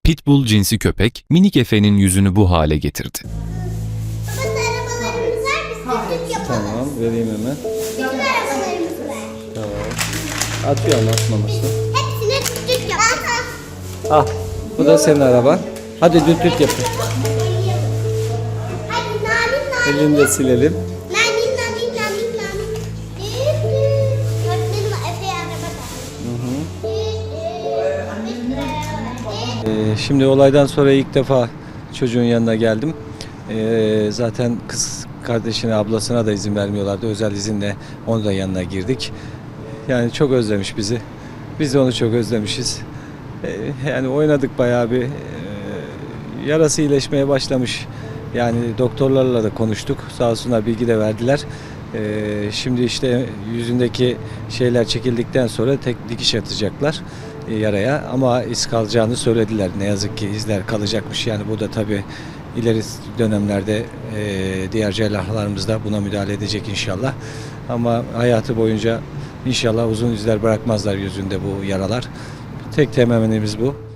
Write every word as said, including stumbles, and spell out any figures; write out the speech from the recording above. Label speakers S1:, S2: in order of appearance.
S1: Pitbull cinsi köpek, minik Efe'nin yüzünü bu hale getirdi.
S2: Babası arabalarımız var, biz de süt yapalım.
S3: Tamam, vereyim hemen.
S2: Bütün arabalarımız var.
S3: Tamam. Atıyorum atmaması.
S2: Hepsine süt yapalım.
S3: Ah, bu da senin araban. Hadi düt düt yapın.
S2: Hadi nanin nanin.
S3: Elini de silelim.
S2: Nanin nanin nanin nanin. Düt düt. Öğretmenim Efe'ye araba da. Düt düt. Bir sürü araba.
S3: Ee, şimdi olaydan sonra ilk defa çocuğun yanına geldim. Ee, zaten kız kardeşine, ablasına da izin vermiyorlardı. Özel izinle onu da yanına girdik. Yani çok özlemiş bizi. Biz de onu çok özlemişiz. Ee, yani oynadık bayağı bir. Ee, yarası iyileşmeye başlamış. Yani doktorlarla da konuştuk. Sağ olsunlar bilgi de verdiler. Ee, şimdi işte yüzündeki şeyler çekildikten sonra tek dikiş atacaklar e, yaraya, ama iz kalacağını söylediler. Ne yazık ki izler kalacakmış. Yani bu da tabii ileri dönemlerde e, diğer cerrahlarımız da buna müdahale edecek inşallah. Ama hayatı boyunca inşallah uzun izler bırakmazlar yüzünde bu yaralar. Tek temennimiz bu.